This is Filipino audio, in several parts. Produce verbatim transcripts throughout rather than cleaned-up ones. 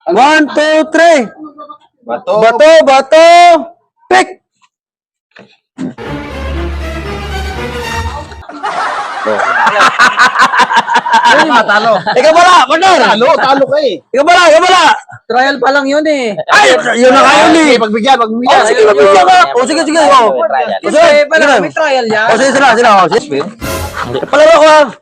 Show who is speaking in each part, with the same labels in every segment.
Speaker 1: One, two, three.
Speaker 2: Bato.
Speaker 1: Bato, bato, pick.
Speaker 2: Ano ka, talo?
Speaker 1: Ikaw pala, partner.
Speaker 2: Talo, talo ka eh.
Speaker 1: Ikaw pala, ikaw pala.
Speaker 3: Trial pa lang yun eh.
Speaker 1: Ay, yun na kayo ni.
Speaker 2: Sige, pagbigyan, pagbigyan.
Speaker 1: Oh, sige, pagbigyan ka. Oh, sige, sige. Oh.
Speaker 3: Kasi
Speaker 1: Sige,
Speaker 3: pala
Speaker 1: sige.
Speaker 3: may trial yan.
Speaker 1: Oh, sige, sila, sila. Oh, sige. Palaro ko ha.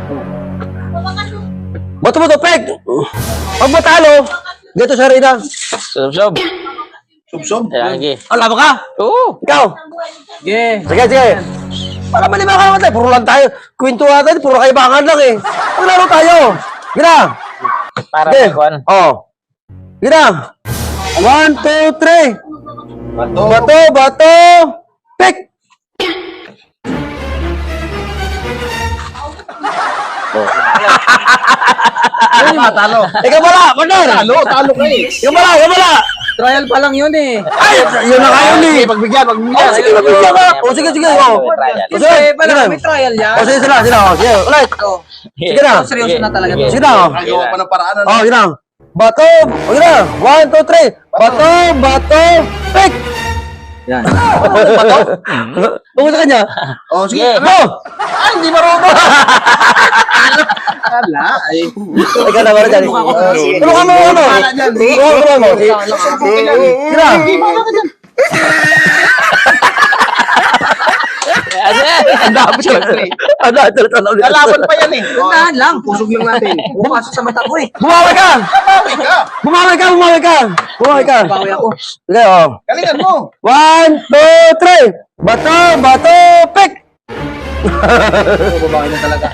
Speaker 1: Bato mo to, pick. Pag matalo, dito sa Rina.
Speaker 4: Sob-sob.
Speaker 2: Sub-sub.
Speaker 4: Lagi.
Speaker 1: Oh, laban ka.
Speaker 4: Oo.
Speaker 1: Ikaw.
Speaker 3: Sige.
Speaker 1: Sige, sige. Para malima ka naman tayo. Puro lang tayo. Kwento natin, puro kaibangan lang eh. Maglaro tayo. Gina.
Speaker 4: Para
Speaker 1: Okay.
Speaker 4: may kwan.
Speaker 1: Oh. Gina. One, two, three.
Speaker 2: Bato.
Speaker 1: Bato, bato. Pick.
Speaker 2: Ano ka, talo?
Speaker 1: Ikaw pala, partner.
Speaker 2: Talo, talo ka eh.
Speaker 1: Ikaw pala, ikaw pala.
Speaker 3: Trial pa lang yun eh.
Speaker 1: Ay, yun na kayo ni.
Speaker 2: Sige, pagbigyan, pagbigyan.
Speaker 1: Oh, sige, pagbigyan ka. Oh, sige, sige. Oh.
Speaker 3: Kasi
Speaker 1: Sige,
Speaker 3: pala
Speaker 1: sige.
Speaker 3: may trial yan.
Speaker 1: Oh, sige, sila, sila. Oh, sige, ulit.
Speaker 3: Oh,
Speaker 1: Sige na.
Speaker 3: seryoso na talaga to.
Speaker 1: Sige na. Oh.
Speaker 2: Gagawa pa ng paraan. ano?
Speaker 1: Oh, yun na. Bato. Oh, yun na. One, two, three. Bato, bato, pick.
Speaker 3: Yan.
Speaker 1: Bato? Tungo sa kanya.
Speaker 2: Oh, sige.
Speaker 1: Go!
Speaker 2: Ay, hindi marunong. Ala, ay.
Speaker 1: Ikaw na, wala dyan. Tulungan mo, ano?
Speaker 2: Wala dyan.
Speaker 1: Tulungan mo. Sige na. Ang dami siya. Ang dami siya.
Speaker 2: Lalaban pa yan eh. Oh,
Speaker 3: Tandaan lang, pusog lang natin. Bumapasok sa mata ko eh.
Speaker 1: Bumawi ka!
Speaker 2: Bawi ka.
Speaker 1: Bumawi ka! Bumawi ka! Bumawi ka!
Speaker 3: Bawi ako.
Speaker 1: Sige, oh.
Speaker 2: Galingan mo.
Speaker 1: One, two, three! Bato, bato, pick!
Speaker 3: Oh, babawi na talaga.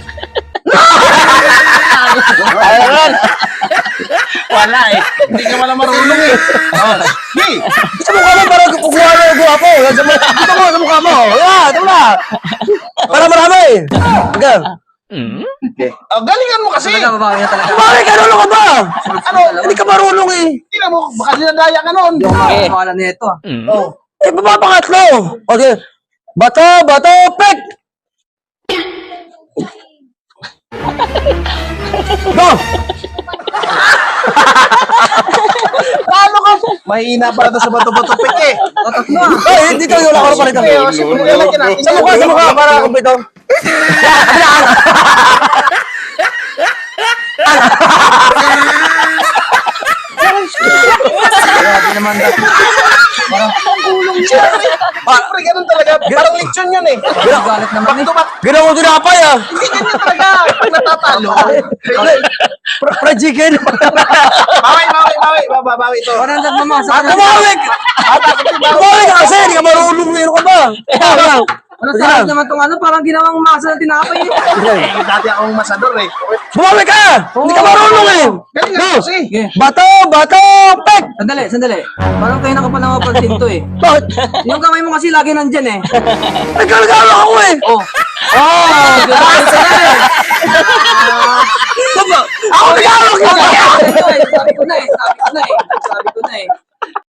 Speaker 1: Ayun!
Speaker 2: Wala eh. Hindi ka wala marunong eh. Oh, sige.
Speaker 1: Sa mukha mo, parang kukuha mo yung guwapo. Sa mukha dito mo, sa mukha mo. Yeah, ito na. Para marami. Sige.
Speaker 2: Oh, galingan mo kasi.
Speaker 3: Talaga, babawi na talaga.
Speaker 1: Bumawi ka, lolo ka ba? Ano? Hindi ka marunong eh.
Speaker 2: Tingnan mo, baka dinadaya ka noon.
Speaker 3: Hindi ako makawalan nito ah.
Speaker 2: Oh.
Speaker 1: Eh, papapangatlo. Okay. Bato, bato, pick! Go!
Speaker 2: Talo ka. Mahina para to sa bato-bato pik eh.
Speaker 3: Tatatlo ah.
Speaker 1: Ay, dito yung lakaro pa rito.
Speaker 2: Sige, oh, sige, lalagyan natin.
Speaker 1: Sa mukha, sa mukha, para kumpito.
Speaker 3: Grabe naman dati.
Speaker 2: Siyempre, ganun talaga. Parang lechon yun eh.
Speaker 3: Galit naman eh.
Speaker 2: Back-to-back.
Speaker 1: Ginawa mo tinapay ah.
Speaker 2: Hindi ganyan talaga. Pag natatalo.
Speaker 1: Fra- Fried chicken.
Speaker 2: Bawi, bawi, bawi. Baba, bawi ito.
Speaker 3: Parang nagmamasa
Speaker 1: At
Speaker 3: ka na.
Speaker 1: tumawig! Tumawig ka kasi, hindi ka marunong meron ka ba? Ikaw, ikaw.
Speaker 3: Ano sarap naman tong ano, parang ginawang masa ng tinapay eh.
Speaker 2: Eh, dati akong masador eh.
Speaker 1: Bumawig ka! Hindi ka marunong eh!
Speaker 2: Galing nga
Speaker 1: Go!
Speaker 2: kasi.
Speaker 3: Sige.
Speaker 1: Bato! Bato! Pek!
Speaker 3: Sandali, sandali. Parang kayo na ka pa nakapansin to eh.
Speaker 1: Bakit?
Speaker 3: Yung kamay mo kasi lagi nandyan eh.
Speaker 1: Nagkalagalo ako eh!
Speaker 3: Oh.
Speaker 1: Oh!
Speaker 3: Grabe ka na eh.
Speaker 1: Ako nagkalagalo ka!
Speaker 3: Sabi ko eh, sabi ko na eh, sabi ko na eh, sabi ko na eh.